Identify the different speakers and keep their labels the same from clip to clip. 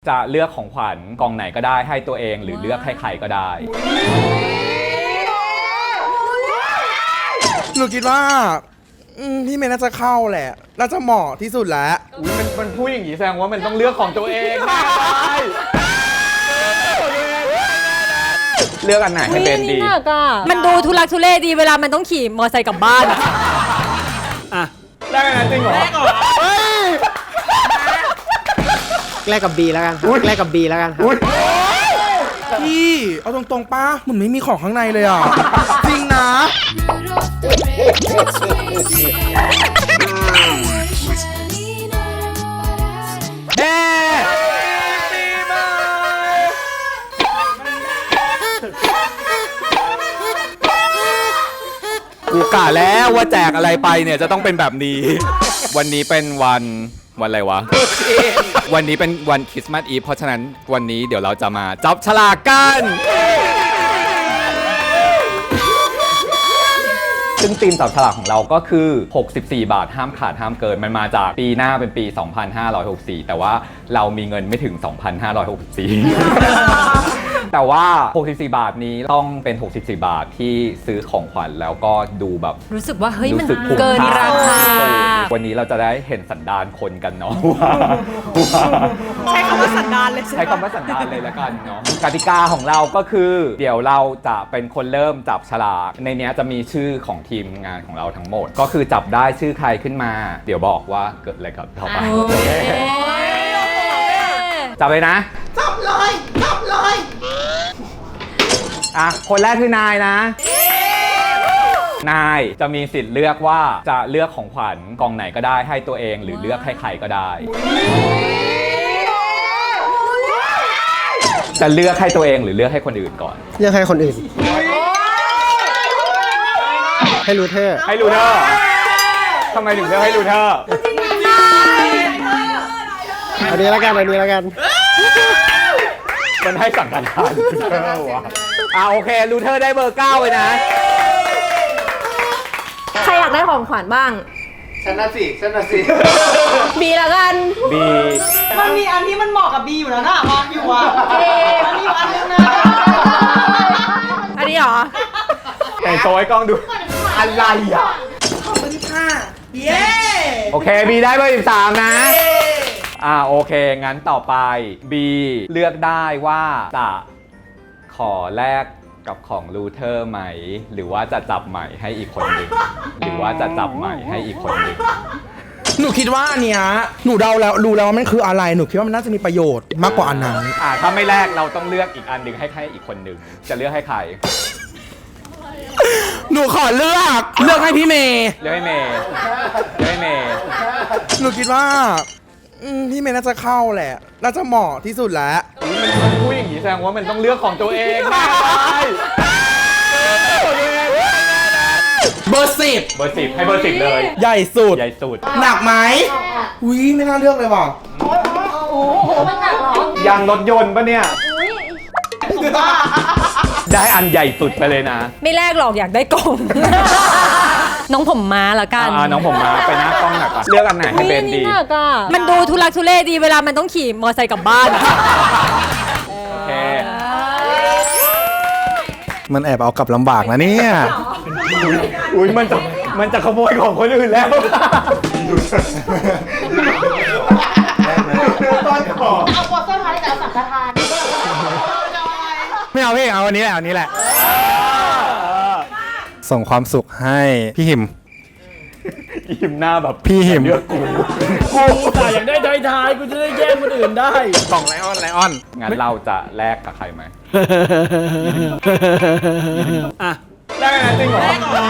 Speaker 1: จะเลือกของขวัญกองไหนก็ได้ให้ตัวเองหรือเลือกให้ใครก็ได้
Speaker 2: หนูคิดว่าพี่เมย์น่าจะเข้าแหละน่าจะเหมาะที่สุดแล้ว
Speaker 1: มันพูดอย่างนี้แสดงว่ามันต้องเลือกของตัวเองได้เลือกอันไหนให้เป็นดี
Speaker 3: มันดูทุลักทุเลดีเวลามันต้องขี่มอเตอร์ไซค์กลับบ้าน
Speaker 1: อ่ะแรกอันนั้นจริงเหรอ
Speaker 4: แรกกับ B แล้วกันแรกกับ B แล้วกัน
Speaker 2: พี่เอาตรงๆป้าเหมือนไม่มีของข้างในเลยอ่ะจริงนะ
Speaker 1: กูกะแล้วว่าแจกอะไรไปเนี่ยจะต้องเป็นแบบนี้วันนี้เป็นวันอะไรวะวันนี้เป็นวันคริสต์มาสอีฟเพราะฉะนั้นวันนี้เดี๋ยวเราจะมาจับฉลากกันซึ่งธีมจับฉลากของเราก็คือ64 บาทห้ามขาดห้ามเกินมันมาจากปีหน้าเป็นปี 2564 แต่ว่าเรามีเงินไม่ถึง 2,564 แต่ว่า64 บาทนี้ต้องเป็น64 บาทที่ซื้อของขวัญแล้วก็ดูแบบ
Speaker 3: รู้สึกว่าเฮ้ยมันเกินราคา
Speaker 1: วันนี้เราจะได้เห็นสันดานคนกันเนาะ
Speaker 3: ใช้คำว่าสันดานเลย
Speaker 1: ใช้คำว่าสันดานเลยแล้วกันเนาะกติกาของเราก็คือเดี๋ยวเราจะเป็นคนเริ่มจับฉลากในนี้จะมีชื่อของทีมงานของเราทั้งหมดก็คือจับได้ชื่อใครขึ้นมาเดี๋ยวบอกว่าเกิดอะไรกับเขาไปจับเลยนะจับเลยอ่ะคนแรกคือนายนะนายจะมีสิทธิ์เลือกว่าจะเลือกของขวัญกองไหนก็ได้ให้ตัวเองหรือเลือกให้ใครก็ได้จะเลือกให้ตัวเองหรือเลือกให้คนอื่นก่อน
Speaker 4: เลือกให้คนอื่นให้รูเทอร์
Speaker 1: ทำไมถึงเลือกให้รูเทอร์
Speaker 4: อันนี้แล้วกัน
Speaker 1: มันให้สั่งการทานรูเทอร์วะโอเครูเทอร์ได้เบอร์ 9เลยนะ
Speaker 3: ใครอยากได้ของขวัญบ้าง
Speaker 4: ฉันน่ะสิ
Speaker 3: บีละกัน
Speaker 1: บี
Speaker 5: มันมีอันที่มันเหมาะกับบีอยู่แล้วนะวางอยู่อ่ะมันมีอยู่อันนึงนะ
Speaker 3: อันนี้เหรอ
Speaker 1: แต่โชว์ให้กล้องดูอะไรอ่ะ
Speaker 5: ขอบคุณค่ะเย้
Speaker 1: โอเคบีได้เบอร์ 13นะโอเคงั้นต่อไปบีเลือกได้ว่าจะขอแลกกับของรูเทอร์ไหมหรือว่าจะจับใหม่ให้อีกคนหนึ่ง
Speaker 2: หนูคิดว่าอันเนี้ยหนูเดาแล้วรู้แล้วว่ามันคืออะไรหนูคิดว่ามันน่าจะมีประโยชน์มากกว่าอันนั้น
Speaker 1: ถ้าไม่แลกเราต้องเลือกอีกอันหนึ่งให้อีกคนหนึ่งจะเลือกให้ใคร
Speaker 2: หนูขอเลือกให้พี่เมย์
Speaker 1: เลือกให้เมย์
Speaker 2: หนูคิดว่าพี่เมย์น่าจะเข้าแหละน่าจะเหมาะที่สุดแล้ว
Speaker 1: มันพูดอย่างนี้แสดงว่ามันต้องเลือกของตัวเองได้
Speaker 2: เบอร์
Speaker 1: 10ให้เบอร์ 10เลย
Speaker 2: ใหญ่สุดหนักไหมไม่น่าเลือกเลยว่ะ
Speaker 3: โอ้โหมันหนักหร
Speaker 1: อยางรถยนต์ปะเนี่ยได้อันใหญ่สุดไปเลยนะ
Speaker 3: ไม่แลกหรอกอยากได้กล่องน้องผมม้าละกัน
Speaker 1: น้องผมม้าไปหน้ากล้องหนักเลือกอันไหนให้เป็นดี
Speaker 3: มันดูทุลักทุเลดีเวลามันต้องขี่มอเตอร์ไซค์กลับบ้าน
Speaker 1: โอเค
Speaker 2: มันแอบเอากลับลำบากนะเนี่ย
Speaker 1: มันจะขโมยของคนอื่นแล้ว
Speaker 5: เอาบทสวดท้ายแต่สังฆทาน
Speaker 2: ไม่เอาพี่เอาอันนี้แหละส่งความสุขให้พี่หิม
Speaker 1: หน้าแบบ
Speaker 2: พี่หิม
Speaker 1: เลือกกู
Speaker 4: แต่อยากได้ท้ายกูจะได้แย่งคนอื่นได้
Speaker 2: กล่องไลออน
Speaker 1: งั้นเราจะแลกกับใครไหมแลกกันจริงเหรอ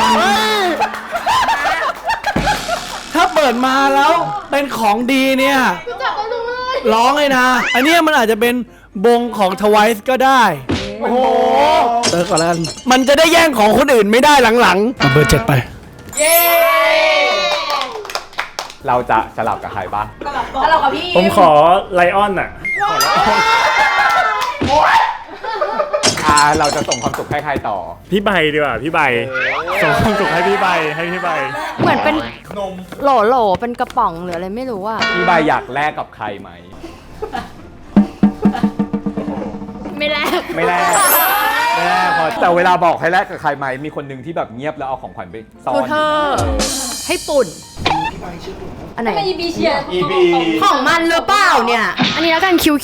Speaker 4: ถ้าเปิดมาแล้วเป็นของดีเนี่ยร้องเลยนะอันนี้มันอาจจะเป็นบงของ Twice ก็ได้
Speaker 1: โอ้โห
Speaker 4: เติร์กก่อนแล้วกันมันจะได้แย่งของคนอื่นไม่ได้หลังๆเอาเบอร์ 7ไป
Speaker 5: เย้
Speaker 1: เราจะสลับกับใครบ้าง
Speaker 3: สลับกับพี่
Speaker 4: ผมขอไลออน
Speaker 1: เราจะส่งความสุขให้ใครต่อ
Speaker 4: พี่ใบดีกว่าพี่ใบส่งความสุขให้พี่ใบ
Speaker 6: เหมือนเป็นโหลเป็นกระป๋องหรืออะไรไม่รู้อ่ะ
Speaker 1: พี่ใบอยากแลกกับใครไหมไม่แลกพอแต่เวลาบอกให้แลกกับใครไหมมีคนหนึ่งที่แบบเงียบแล้วเอาของขวัญไปซ่อน
Speaker 6: ดูเธอ ให้ปุ่น อันไหน
Speaker 3: อีบีเชียร์
Speaker 1: อีบี
Speaker 6: ของมันหรือเปล่าเนี่ย อันนี้แล้วกันคิว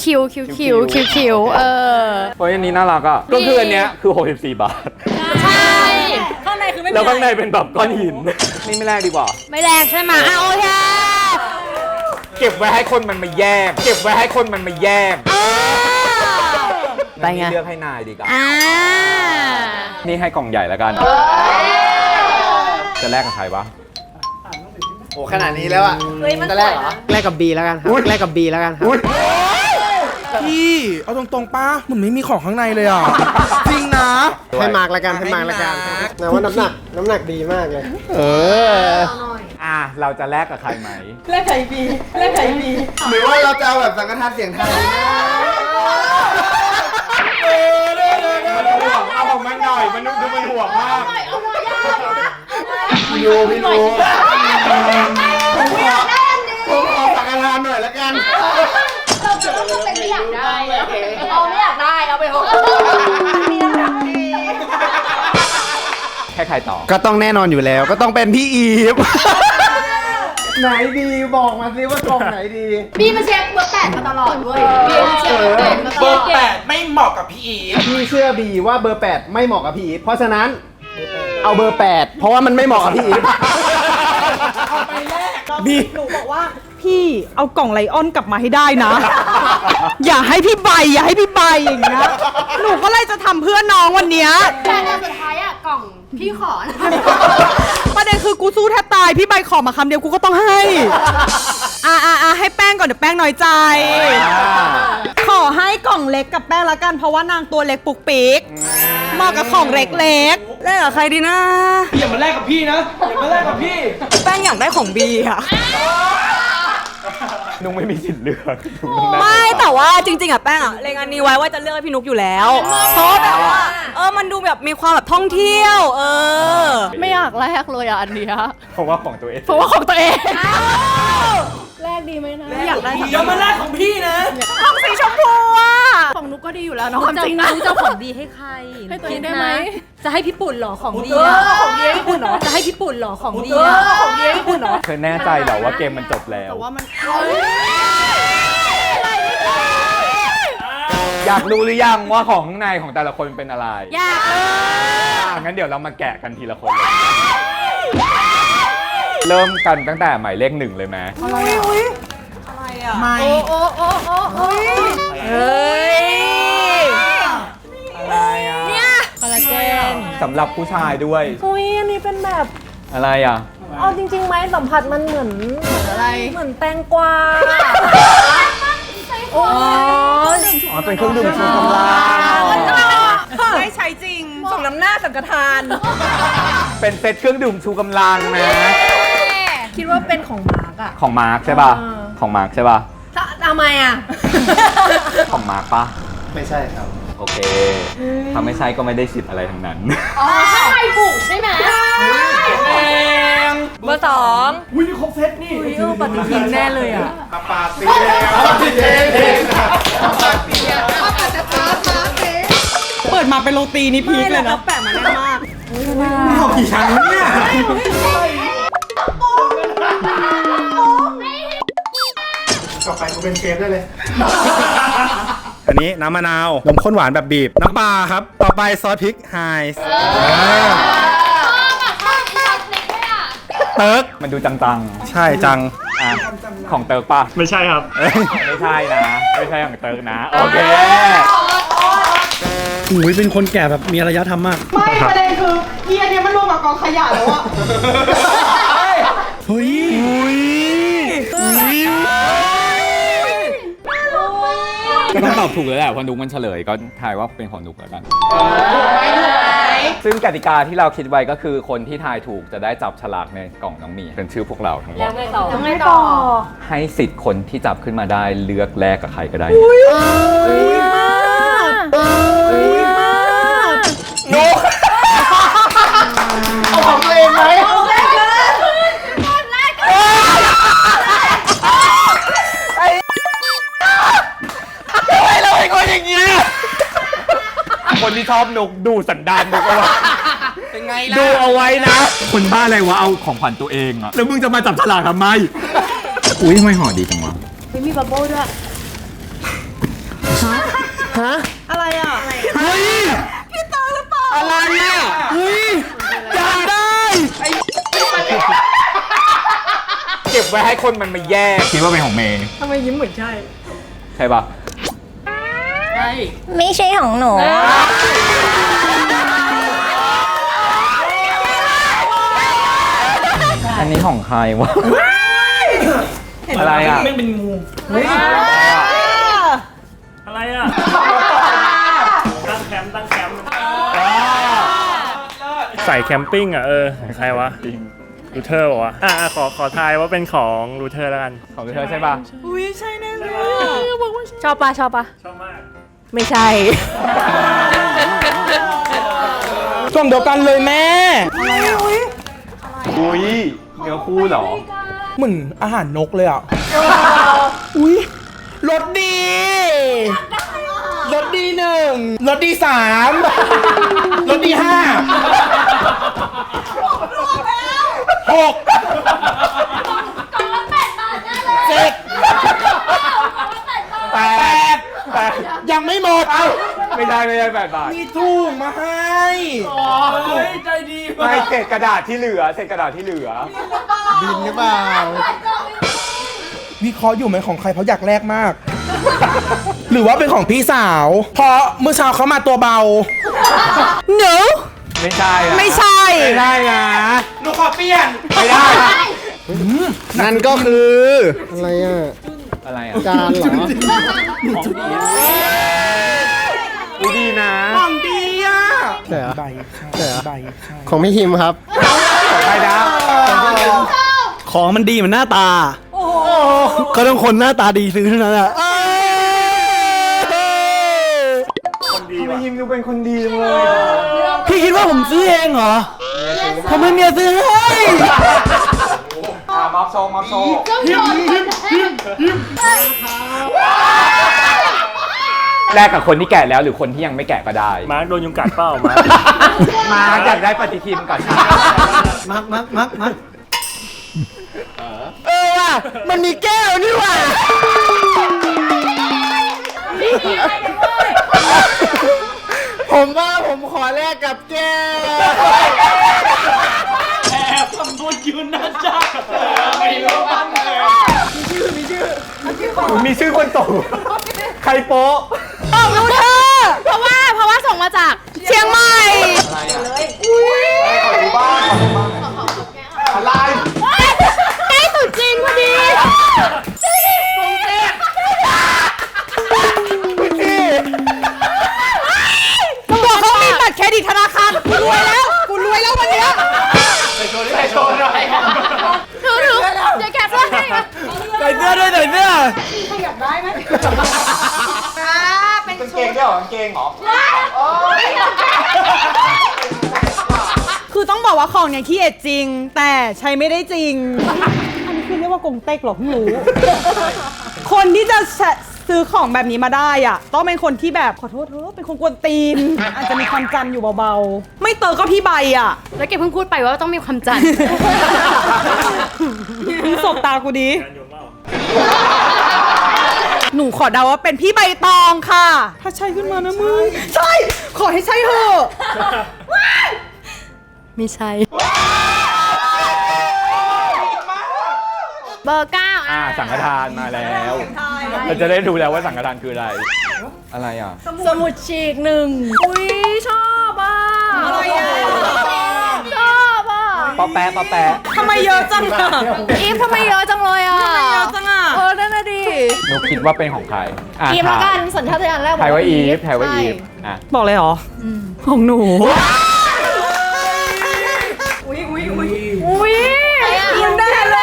Speaker 1: เพราะอันนี้น่ารักอ่ะก็คืออันเนี้ยคือ64 บาท
Speaker 6: ใช่
Speaker 3: ข้างในคือไม่มี
Speaker 1: แล้วข้างใน
Speaker 3: อะไร
Speaker 1: เป็นแบบก้อนหินนี่ไม่แลกดีกว่า
Speaker 6: ไม่แรงใช่ไหมอ่ะโอเค
Speaker 1: เก็บไว้ให้คนมันมาแย่งเก็บไว้ให้คนมันมาแย่ง
Speaker 6: ไปไง
Speaker 1: เลือกให้นายดีกว่า
Speaker 6: อ่า
Speaker 1: นี่ให้กล่องใหญ่แล้วกัน จะแลกกับใครวะ
Speaker 7: โอ้ขนาดนี้แล้วอ่ะ จะแลกเหรอ
Speaker 4: แลกกับ B แล้วกันครับ
Speaker 1: อุ๊ย
Speaker 4: แลกกับ B แล้วกันครับ
Speaker 2: พี่เอาตรงๆป้าเหมือนไม่มีของข้างในเลยอ่ะ จริงนะ
Speaker 7: ให้มาร์กละกันให้มาร์กละกันนะว่าน้ำหนักดีมากเลย
Speaker 1: เราจะแลกกับใครไหม
Speaker 5: เล่นไข่บีเล่นไข่บี
Speaker 7: หรือว่าเราจะเอาแบบสังฆทานเสียงไทยนะ
Speaker 1: เอาของมันหน่อย มันดูมันห่วงมาก
Speaker 7: พี่รู้ผมขอสังฆทานหน่อยละกัน
Speaker 3: ไม่อยากได้เอาไปเถอะ
Speaker 1: แค่ใครต่อ
Speaker 7: ก็ต้องแน่นอนอยู่แล้ว ก็ต้องเป็นพี่อีฟ ไหนดีบอกมาสิว่ากล่องไหนดี
Speaker 3: บีมาเช็คเบอร์8มาตลอดเว้ยบีมาเช็คเบอร์8มาต
Speaker 2: เบ
Speaker 3: ล
Speaker 2: อ
Speaker 3: อด
Speaker 2: ร์8ไม่เหมาะกับพี่อีฟ
Speaker 7: พี่เชื่อบีว่าเบอร์ 8 ไม่เหมาะกับพี่อีฟเพราะฉะนั้น เอาเบอร์ 8 เพราะว่ามันไม่เหมาะกับพี่อีฟ
Speaker 5: บีหนูบอกว่าพี่เอากล่องไลออนกลับมาให้ได้นะ อย่าให้พี่ใบอย่างเงี้ยหนูก็เลยจะทำเพื่อน้องวันเนี้ย
Speaker 3: แต่สุดท้ายอ่ะกล่องพี่ขอนะ
Speaker 5: ประเด็นคือกูสู้แทบตายพี่ใบขอมาคำเดียวกูก็ต้องให้ให้แป้งก่อนเดี๋ยวแป้งน้อยใจ ขอให้กล่องเล็กกับแป้งละกันเพราะว่านางตัวเล็กปุกปิกเหมาะกับของเล็กๆแล้วกับใครดีนะ
Speaker 4: อย่ามาแลกกับพี่นะ อย่ามาแลกกับพี่
Speaker 5: แป้งอยากได้ของบีค่ะ
Speaker 1: นุ้งไม่มีสิทธิ์เลือกนุ้งต้องได้
Speaker 8: ไม่แต่ว่าจริงๆอะแป้งอะเล็งอันนี้ไว้ว่าจะเลือกให้พี่นุกอยู่แล้ว เพราะแบบว่ามันดูแบบมีความแบบท่องเที่ยว
Speaker 6: ไม่อยากแลกเลยอ่ะอันเนี้ย
Speaker 1: เพราะว่าของตัวเอง
Speaker 6: เพราะว่าของตัวเอง
Speaker 3: แรกดีไหมนะ
Speaker 6: อยากได้
Speaker 4: อย่ามาแลกของพี่นะ
Speaker 6: ของสีชมพูอ่ะของนุกก็ดีอยู่แล้วเนาะความจริงนะ
Speaker 3: จะของดีให้ใคร
Speaker 6: ให้ตัวเองได้ไหม
Speaker 3: จะให้พี่ปุ่นหรอของดีของดีให้พี่ปุ่นหรอจะให้พี่ปุ่นหรอของดีของดีให้พี่ปุ่นหรอ
Speaker 1: เธอแน่ใจเหรอว่าเกมมันจบแล้ว
Speaker 5: แต่ว่ามัน
Speaker 1: อยากรู้หรือยังว่าของข้างในของแต่ละคนเป็นอะไร
Speaker 6: อยากเลย
Speaker 1: งั้นเดี๋ยวเรามาแกะกันทีละคนเลยเริ่มกันตั้งแต่หมายเลข 1เลยไหม
Speaker 2: ไม่
Speaker 8: เฮ้ย
Speaker 1: อะไรอ่ะ
Speaker 3: คอลลาเจน
Speaker 1: สำหรับผู้ชายด้วย
Speaker 9: อุ้ยอันนี้เป็นแบบ
Speaker 1: อะไรอ่ะ
Speaker 9: เอาจริงๆไหมสัมผัสมันเหมือนอะไร เหมือนแตงกวาโอ้
Speaker 1: อ๋อ เป็นเครื่องดื่มชูกำลัง
Speaker 5: ไม่ใช้จริงสมน้ำหน้าสังฆทาน
Speaker 1: เป็นเซตเครื่องดื่มชูกำลังนะ
Speaker 9: คิดว่าเป็นของมาร์กอะ
Speaker 1: ของมาร์คใช่ป่ะ ของมาร์คใช่ป่ะ
Speaker 9: ทำไมอะ
Speaker 1: ของมาร์คป่ะ
Speaker 7: ไม่ใช่ครับ
Speaker 1: โอเค ถ้าไม่ใช่ก็ไม่ได้สิทธิ์อะไรทั้งนั้น
Speaker 3: ใช่ถูกใช่ไหม
Speaker 8: เบอร์ 2
Speaker 4: อุ้ยนี่ครบเซตนี่
Speaker 6: ปฏิทินแน่เลยอ่ะ
Speaker 7: ปาตีแล้ว
Speaker 5: เปิดมาเป็นโรตีนี่พีคเลยนะแปะมาแน่มาก
Speaker 2: เอากี่ชั้นวะเนี่ย
Speaker 7: ต่อไปกูเป็นเชฟได้เลย
Speaker 10: อันนี้น้ำมะนาว นมข้นหวานแบบบีบ น้ำปลาครับ ต่อไปซอสพริกไฮส์เติร์ก
Speaker 1: มันดูจัง
Speaker 10: ใช่จัง
Speaker 1: ๆอ่ะของเติร์กป่ะ
Speaker 10: ไม่ใช่ครับ
Speaker 1: ไม่ใช่นะ ไม่ใช่ของเติร์กนะ โอเค
Speaker 4: อุ้ยเป็นคนแก่แบบมีอารยธรรมมาก
Speaker 5: ไม่ประเด็นคืออีอันเนี้ยมันรวมกับกองขยะแล้วอะ
Speaker 4: เฮ้ย
Speaker 1: ก็ต้องตอบถูกแล้วแหละเพราะนุกมันเฉลยก็ทายว่าเป็นของนุกแล้วกัน ซึ่งกติกาที่เราคิดไว้ก็คือคนที่ทายถูกจะได้จับฉลากในกล่องน้องหมีเป็นชื่อพวกเราทั้งหมด
Speaker 3: ยังไงต่อ
Speaker 1: ให้สิทธิ์คนที่จับขึ้นมาได้เลือกแลกกับใครก็ได้ นุก
Speaker 7: เอาของตัวเองไหม
Speaker 1: ทำไมเราเป็นคนอย่างนี้คนที่ชอบนกดูสันดานนกเอาไว้
Speaker 2: เป็นไงล่ะ
Speaker 1: ดูเอาไว้นะ คนบ้าอะไรวะเอาของขวัญตัวเองอะแล้วมึงจะมาจับฉลากทำไม อุ้ยทำไมห่อดีจังวะ
Speaker 3: ไม่มีบับเบิ้ลด้วย
Speaker 5: อะไรอ่ะ
Speaker 2: เฮ้ย
Speaker 1: อะไรอะ
Speaker 2: เฮ้ยอยากได้
Speaker 1: เก็บไว้ให้คนมันมาแยกคิดว่าเป็นของเมย์
Speaker 3: ทำไมยิ้มเหมือนใช่
Speaker 1: ใช่ปะ
Speaker 3: ใช่
Speaker 9: ไม่ใช่ของหนู
Speaker 1: อันนี้ของใครวะ อะไรอ่ะ
Speaker 4: ไม่เป็นงูอะไรอ่ะ ตั้งแคมป์ใส่แคมปิ้งอ่ะใครวะรูเทอร์บอกว่าขอทายว่าเป็นของรูเทอร์แล้วกัน
Speaker 1: ของเธอใช่ปะ
Speaker 5: อุ้ยใช่แน่เลย
Speaker 3: ชอบปะ
Speaker 4: ชอบมาก
Speaker 3: ไม่ใช่
Speaker 2: ช่วงเดียวกันเลยแม่
Speaker 1: อุ้ยเนื้อคู่เหรอ
Speaker 2: เหมือนอาหารนกเลยอ่ะ อุ้ยรสดีรสดี1รสดี3รสดี5 6 8 ยังไม่หมด
Speaker 1: ไม่ได้8 บาท
Speaker 2: มีถุงมาให้
Speaker 4: ใจดี
Speaker 1: ไม่เศษกระดาษที่เหลือ
Speaker 7: บินหรือเปล่า
Speaker 2: วิเคราะห์อยู่ไหมของใครเพราะอยากแลกมาก หรือว่าเป็นของพี่สาว เพราะเมื่อเช้าเขามาตัวเบา
Speaker 5: หนู
Speaker 1: ไม่ใช่อะ
Speaker 5: ไม่ใช่
Speaker 1: ไม่ได้นะ
Speaker 2: หนูขอเปลี่ยน
Speaker 1: ไม่ได้
Speaker 7: นั่นก็คือ อะไรอ่ะ
Speaker 1: อะไรอ่ะ
Speaker 7: จานเหรอ
Speaker 1: อุ๊ยดีนะ
Speaker 2: ของดีอ่ะ
Speaker 7: ใช่เหรอ
Speaker 2: ใบ
Speaker 7: ใช่เหรอ
Speaker 2: ใบ
Speaker 7: ของพี่ฮิมครับ
Speaker 1: ของใครนะ
Speaker 4: ของมันดีเหมือนหน้าตาก็ต้องคนหน้าตาดีซื้อเท่านั้นอ่ะ
Speaker 1: ทำไมยิมดูเป็นคนดีจังเลย
Speaker 4: พี่คิดว่าผมซื้อเองเหรอ ผมไม่เมียซื้อให้
Speaker 1: มอบโชว์แลกกับคนที่แกะแล้วหรือคนที่ยังไม่แกะก็ได้
Speaker 4: มาร์คโดนยุงกัดเปล่ามาร์ค
Speaker 1: มาอยากได้ปฏิทินก่อน
Speaker 4: มาร์ค
Speaker 2: ว่ะมันมีแก้วนี่ว่ะ
Speaker 7: ผมว่าผมขอแลกกับแก้ว
Speaker 4: แอบทำบุญยืนหน้าจ้าไม่รู้บ้างเลย
Speaker 1: มีชื่อคนโตใครโป๊ะ
Speaker 3: บอกรู้เธอ เพราะว่าส่งมาจาก
Speaker 5: เชียงใหม่
Speaker 1: อะไรอ่ะขอดูบ้างอะไร
Speaker 3: ใกล้ตรุษจีนพอดี
Speaker 5: ก็บอกเขามีบัตรเครดิตธนาคารกูรวยแล้ววันเนี้ย
Speaker 3: ถือเดี๋ยวแกะด้วย
Speaker 4: ใส่เสื้อด้วยใส่เสื้อ
Speaker 1: เป็นเกงด้วยเหรอกางเกงเหรอ
Speaker 5: คือต้องบอกว่าของเนี่ยขี้เอ็ดจริง แต่ใช้ไม่ได้จริง อันนี้คือเรียกว่ากงเต็กเหรอเพิ่งรู้ คนที่จะซื้อของแบบนี้มาได้อ่ะต้องเป็นคนที่แบบขอโทษเถอะเป็นคนกวนตีน อาจจะมีความจำอยู่เบาๆ ไม่เตอก็พี่ใบอ่ะ
Speaker 3: แล้วแกเพิ่งพูดไปว่าต้องมีความจันทร์
Speaker 5: มึงสบตากูดิ หนูขอเดาว่าเป็นพี่ใบตองค่ะ ถ้าใช่ขึ้นมานะมึง ใช่ ขอให้ใช่เถอะ
Speaker 3: ไม่ใช่ เบอร์ 9
Speaker 1: สังฆทานมาแล้วเราจะได้ดูแล้วว่าสังฆทานคืออะไร อะไรอ่ะ
Speaker 3: สมุดฉีก1 อุ้ยชอบอ่ะ
Speaker 5: อะไรอ่ะ
Speaker 3: ชอบอ่ะ
Speaker 1: ปอแปะ
Speaker 5: ทำไมเยอะจังอ่ะ
Speaker 3: อีฟทำไมเยอะจังเลยอ่ะ
Speaker 5: ทำไมเยอะจังอ่ะ
Speaker 3: นั่นน่ะดิ
Speaker 1: หนูคิดว่าเป็นของใคร
Speaker 3: อีฟละกันสัญชาตญาณแรก
Speaker 1: ไทยว่าอีฟไทยว่าอีฟอ่ะ
Speaker 5: บอกเลยเหรอของหนู
Speaker 3: อุ้ย
Speaker 5: ยินได้เลย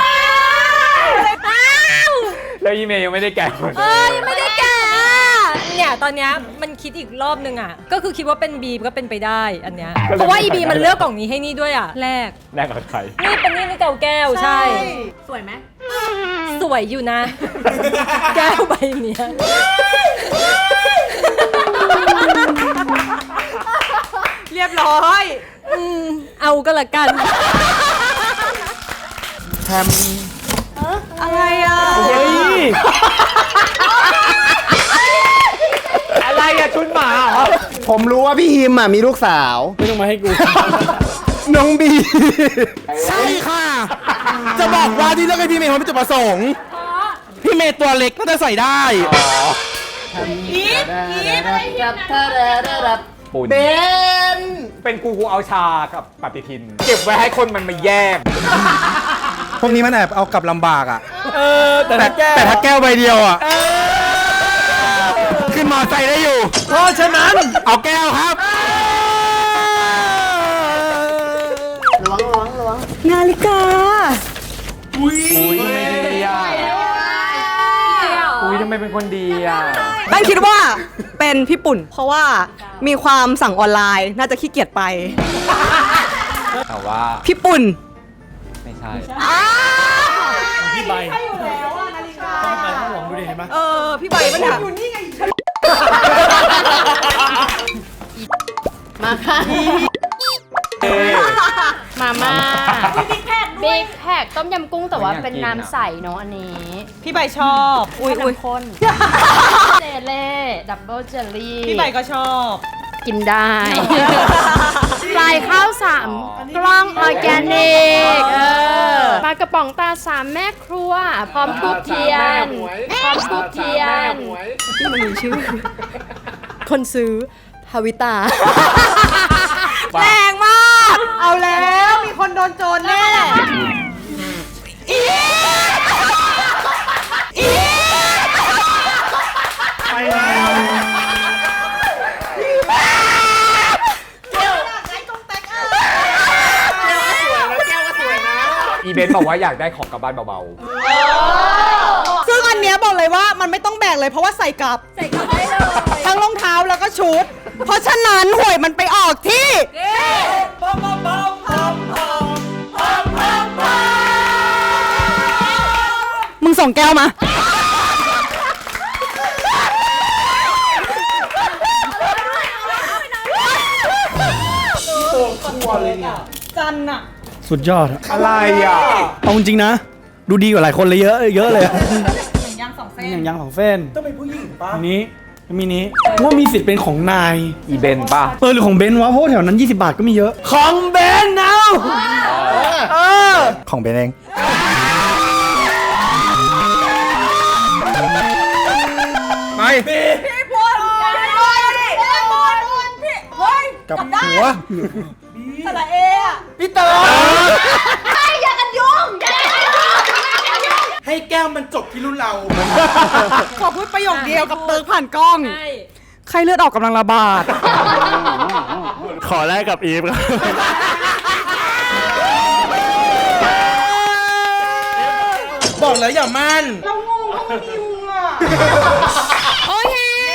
Speaker 1: แล้วอีเมย์ยังไม่ได้แกะเลย
Speaker 8: ยังไม่ได้แกะเนี่ยตอนเนี้ยมันคิดอีกรอบนึงอ่ะ ก็คือคิดว่าเป็นบีมก็เป็นไปได้อันเนี้ย เพราะว่าอีบีมันเลือกกล่องนี้ให้นี่ด้วยอ่ะ แรก
Speaker 1: แลกกับใคร
Speaker 8: นี่เป็นนี่แก้วแก้วใช่
Speaker 3: สวยไหม
Speaker 8: สวยอยู่นะ แก้วใบเนี้ยละกัน
Speaker 2: แฮม
Speaker 5: อะไรอ่ะ
Speaker 4: เฮ้ย
Speaker 1: อะไรอะชุดหมาเหรอ
Speaker 7: ผมรู้ว่าพี่ฮิมมีลูกสาว
Speaker 4: ไม่ต้องมาให้กู
Speaker 7: น้องบี
Speaker 2: ใช่ค่ะ จะบอกว่าที่เลือกให้พี่เมย์เขาเป็นจุดประสงค์ พี่เมย์ตัวเล็กก็จะใส่ได้
Speaker 1: ปุ่น
Speaker 7: เบน
Speaker 1: เป็นกูเอาชากับปฏิทิน เก็บไว้ให้คนมันมาแย่ง
Speaker 10: พวกนี้มันแอบเอากลับลำบากอ่ะ
Speaker 2: แต่ถ้าแก้
Speaker 10: แต่ถ้าแก้วใบเดียวอ่ะ
Speaker 7: ขึ้นมอไซค์ได้อยู่
Speaker 2: เพราะฉะนั้น
Speaker 7: เอาแก้วครับ
Speaker 5: นาฬิกา
Speaker 1: อุ้ยทำไมดีอ่ะอุ้ยทำไมเป็นคนดีอ่ะ
Speaker 5: แป้งคิดว่าเป็นพี่ปุ่น เพราะว่ามีความสั่งออนไลน์น่าจะขี้เกียจไป
Speaker 1: แต่ว่า
Speaker 5: พี่ปุ่น
Speaker 1: ไม่ใช่
Speaker 4: พี่ใบพี่ใบข้างหลังดูดิเห็นไหม
Speaker 5: พี่ใบปะเนี่ย
Speaker 9: มาค่ะ มาม่าบิ๊กแพคต้มยำกุ้งแต่ว่าเป็นน้ำใสเนาะอันนี้
Speaker 5: พี่ใบชอบอุ้ย
Speaker 9: น้ำข้นเจเล่ดับเบิลเจลลี่
Speaker 5: พี่ใบก็ชอบ
Speaker 9: กินได้ปลายข้าว3กล้องออร์แกนิกปลากระป๋องตา3แม่ครัว พร้อมทูบเทียนที่มันมีชื่อ คนซื้อฮาวิตา
Speaker 5: แรงมาก เอาแล้วมีคนโดนโจรแน่
Speaker 1: อีเบนบอกว่าอยากได้ของกลับบ้านเบา
Speaker 5: ซึ่งอันเนี้ยบอกเลยว่ามันไม่ต้องแบกเลยเพราะว่าใส่กลับได้เลยทั้งรองเท้าแล้วก็ชุด เพราะฉะนั้นหวยมันไปออกที่ มึงส่งแก้วมา จันอะ
Speaker 4: สุดยอดอะ
Speaker 1: ๆ อะไรอ่ะ
Speaker 4: เอาจริงๆนะ ดูดีกว่าหลายคนเลยเยอะเลยอะ
Speaker 5: ยางสองเส้น
Speaker 4: อย่างยังของเฟ้นต้องเป็นผู้หญิงป่ะนี้มีนี้ว่ามีสิทธิ์เป็นของนาย
Speaker 1: อีเบนป่ะ
Speaker 4: หรือของเบนซ์วะเพราะว่าแถวนั้น 20 บาทก็มีเยอะ ของเบนซ์เอา
Speaker 10: ของเบนเอง ไป กับหัว
Speaker 5: สระเออะ
Speaker 2: พี่เต๋อให้แก้วมันจบที่รุ่นเรา
Speaker 5: ขอพูดประโยคเดียวกับเติร์กผ่านกล้อง ใครเลือดออกกำลังระบาด
Speaker 4: ขอแลกกับอีฟครับ
Speaker 2: บอกแล้วอย่ามั่น
Speaker 9: โอเค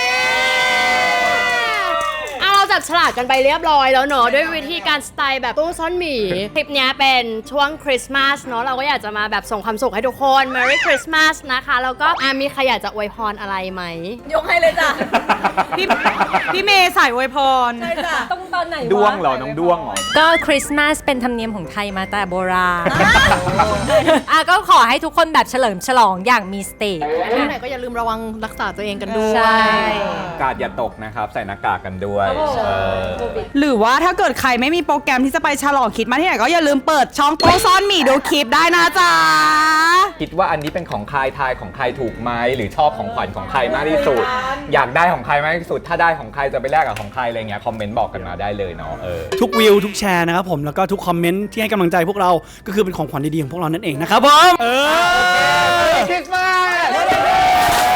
Speaker 9: เราจับฉลากกันไปเรียบร้อยแล้วเนอะด้วยวิธีการสไตล์แบบตู้ซ่อนหมี คลิปเนี้ยเป็นช่วงคริสต์มาสเนอะเราก็อยากจะมาแบบส่งความสุขให้ทุกคน Merry Christmas นะคะแล้วก็มีใครอยากจะอวยพรอะไรไหม
Speaker 5: ยกให้เลยจ้ะ พี่เมย์สายอวยพร
Speaker 8: ใช่จ้ะต้องตอนไหนวะ
Speaker 1: ด้วงเหรอ น้องด้วงเหรอ
Speaker 8: ก็คริสต์มาสเป็นธรรมเนียมของไทยมาแต่โบราณ ก็ขอให้ทุกคนแบบเฉลิมฉลองอย่างมีสติ
Speaker 9: ที่ไหนก็อย่าลืมระวังรักษาตัวเองกันด้วย
Speaker 8: ใช่
Speaker 1: กาดอย่าตกนะครับ ใส่หน้ากากกันด้วย
Speaker 5: หรือว่าถ้าเกิดใครไม่มีโปรแกรมที่จะไปฉลองคริดมาสที่ไหนก็อย่าลืมเปิดช่องโต๊ะซ่อนหมี่ดูคลิปได้นะจ๊ะ
Speaker 1: คิดว่าอันนี้เป็นของใครทายของใครถูกไหมหรือชอบของขวัญของใครมากที่สุด อยากได้ของใครมากที่สุด ถ้าได้ของใครจะไปแลกกับของใครอะไรเงี้ยคอมเมนต์บอกกันมาได้เลยเนาะ
Speaker 4: ทุกวิวทุกแชร์นะครับผมแล้วก็ทุกคอมเมนต์ที่ให้กำลังใจพวกเราก็คือเป็นของขวัญดีๆของพวกเรานั่นเองนะครับผม
Speaker 1: คริสต์มาส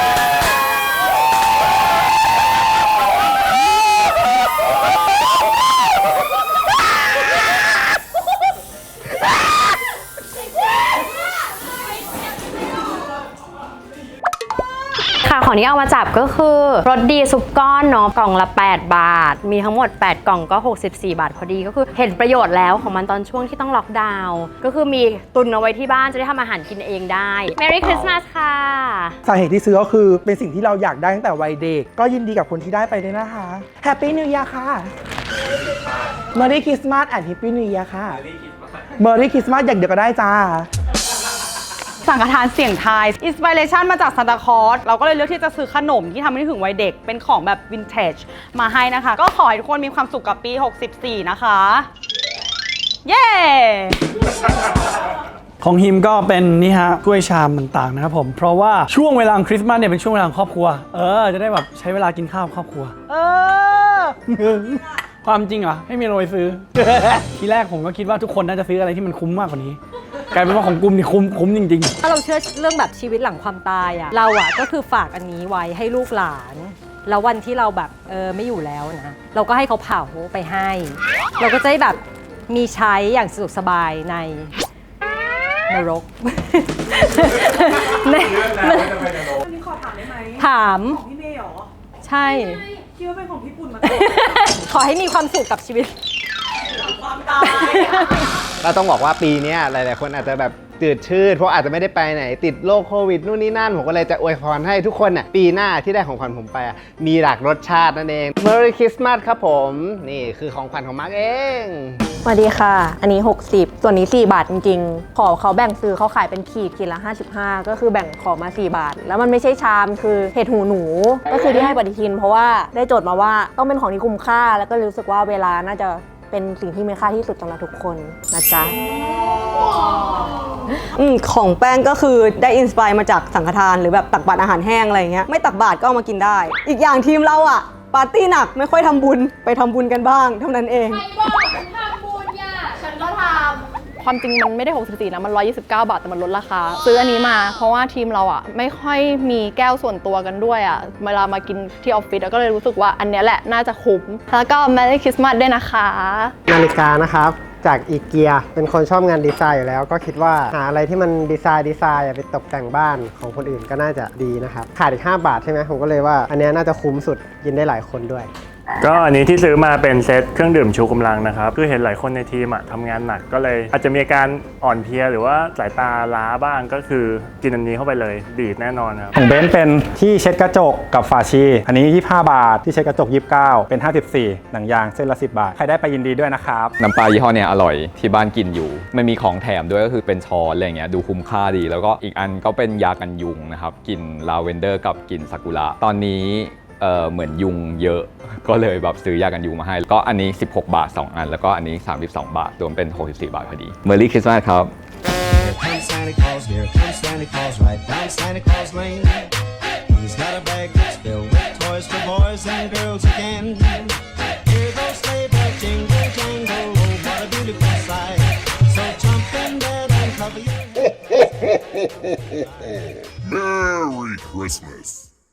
Speaker 9: ที่เอามาจับก็คือรสดีซุปก้อนเนาะกล่องละ8 บาทมีทั้งหมด8กล่องก็64 บาทพอดีก็คือเห็นประโยชน์แล้วของมันตอนช่วงที่ต้องล็อกดาวน์ก็คือมีตุนเอาไว้ที่บ้านจะได้ทำอาหารกินเองได้ Merry Christmas ค่ะ
Speaker 2: สาเหตุที่ซื้อก็คือเป็นสิ่งที่เราอยากได้ตั้งแต่วัยเด็กก็ยินดีกับคนที่ได้ไปด้วยนะคะ Happy New Year ค่ะ Merry Christmas and Happy New Year ค่ะ Merry Christmas อย่างเดียวก็ได้จ้า
Speaker 5: สังฆทานเสียงทายอินสปิเรชันมาจากซานตาคลอสเราก็เลยเลือกที่จะซื้อขนมที่ทำให้นึกถึงวัยเด็กเป็นของแบบวินเทจมาให้นะคะ ก็ขอให้ทุกคนมีความสุขกับปี 64 นะคะ เย้
Speaker 4: ของฮิมก็เป็นนี่ฮะถ้วยชามต่างๆนะครับผมเพราะว่าช่วงเวลาคริสต์มาสเนี่ยเป็นช่วงเวลาของครอบครัวจะได้แบบใช้เวลากินข้าวกับครอบครัวความจริงเหรอไม่มีอะไรซื้อ ทีแรกผมก็คิดว่าทุกคนน่าจะซื้ออะไรที่มันคุ้มมากกว่านี้กลายเป็นว่าของกลุ่มนี่คุ้มจริงๆ
Speaker 8: ถ้าเราเชื่อเรื่องแบบชีวิตหลังความตายอะเราอะก็คือฝากอันนี้ไว้ให้ลูกหลานแล้ววันที่เราแบบไม่อยู่แล้วนะเราก็ให้เขาเผาไปให้ เราก็จะได้แบบมีใช้อย่างสะดวกสบายในนรก
Speaker 5: วันนี้ขอถามได้ไหม
Speaker 8: ถาม
Speaker 5: ของพี่เมย์เหรอ
Speaker 8: ใช่
Speaker 5: คิดว่าเป็นของพี่ปุ่นมา
Speaker 8: ขอให้มีความสุขกับชีวิต
Speaker 5: ความตาย
Speaker 7: เราต้องบอกว่าปีนี้หลายๆคนอาจจะแบบจืดชืดเพราะอาจจะไม่ได้ไปไหนติดโรคโควิดนู่นนี่นั่นผมก็เลยจะอวยพรให้ทุกคนน่ะปีหน้าที่ได้ของขวัญผมไปมีหลากรสชาตินั่นเอง Merry Christmas ครับผมนี่คือของขวัญของมาร์กเอง
Speaker 11: สวัสดีค่ะอันนี้60ส่วนนี้4 บาทจริงๆขอเขาแบ่งซื้อเขาขายเป็นขีดละ55ก็คือแบ่งขอมา4 บาทแล้วมันไม่ใช่ชามคือเห็ดหูหนูก็คือที่ให้ปฏิทินเพราะว่าได้โจทย์มาว่าต้องเป็นของที่คุ้มค่าแล้วก็รู้สึกว่าเวลาน่าจะเป็นสิ่งที่มีค่าที่สุดสำหรับทุกคนนะจ๊ะของแป้งก็คือได้อินสไปร์มาจากสังฆทานหรือแบบตักบาตรอาหารแห้งอะไรอย่างเงี้ยไม่ตักบาตรก็เอามากินได้ อีกอย่างทีมเราอะปาร์ตี้หนักไม่ค่อยทำบุญไปทำบุญกันบ้างเท่านั้นเอง
Speaker 9: ใครบอกฉันทำบุญย่ะฉันก็ทำ
Speaker 12: ความจริงมันไม่ได้64นะมัน129 บาทแต่มันลดราคาซื้ออันนี้มาเพราะว่าทีมเราอ่ะไม่ค่อยมีแก้วส่วนตัวกันด้วยอ่ะเวลามากินที่ออฟฟิศก็เลยรู้สึกว่าอันนี้แหละน่าจะคุ้มแล้วก็ Merry Christmas ด้วยนะคะ
Speaker 13: นาฬิกานะครับจากอีเกียเป็นคนชอบงานดีไซน์อยู่แล้วก็คิดว่าหาอะไรที่มันดีไซน์ไปตกแต่งบ้านของคนอื่นก็น่าจะดีนะครับขาดอีก5 บาทใช่ไหมผมก็เลยว่าอันนี้น่าจะคุ้มสุดกินได้หลายคนด้วย
Speaker 14: ก็อันนี้ที่ซื้อมาเป็นเซตเครื่องดื่มชูกำลังนะครับคือเห็นหลายคนในทีมทำงานหนักก็เลยอาจจะมีอาการอ่อนเพลียหรือว่าสายตาล้าบ้างก็คือกินอันนี้เข้าไปเลยดีดแน่นอนครับ
Speaker 10: ของเบนซ์เป็นที่เช็ดกระจกกับฝาชีอันนี้25 บาทที่เช็ดกระจก29เป็น54หนังยางเส้นละ10 บาทใครได้ไปยินดีด้วยนะครับ
Speaker 1: น้ำปลายี่ห้อเนี่ยอร่อยที่บ้านกินอยู่ไม่มีของแถมด้วยก็คือเป็นช้อนอะไรเงี้ยดูคุ้มค่าดีแล้วก็อีกอันก็เป็นยากันยุงนะครับกลิ่นลาเวนเดอร์กับกลิ่นซากุระตอนนี้เหมือนยุงเยอะก็เลยแบบซื้อยากันยุงมาให้ก็อันนี้16 บาท2อันแล้วก็อันนี้32 บาทรวมเป็น64 บาทพอดี Merry Christmas ครับ
Speaker 15: Here comes Santa Claus, here comes Santa Claus, right down Santa Claus Lane. He's got a bag that's filled with toys for boys and girls again. Hear those sleigh bells jingle jangle, oh what a beautiful sight. So jump in bed and cover your head.
Speaker 16: Merry Christmas.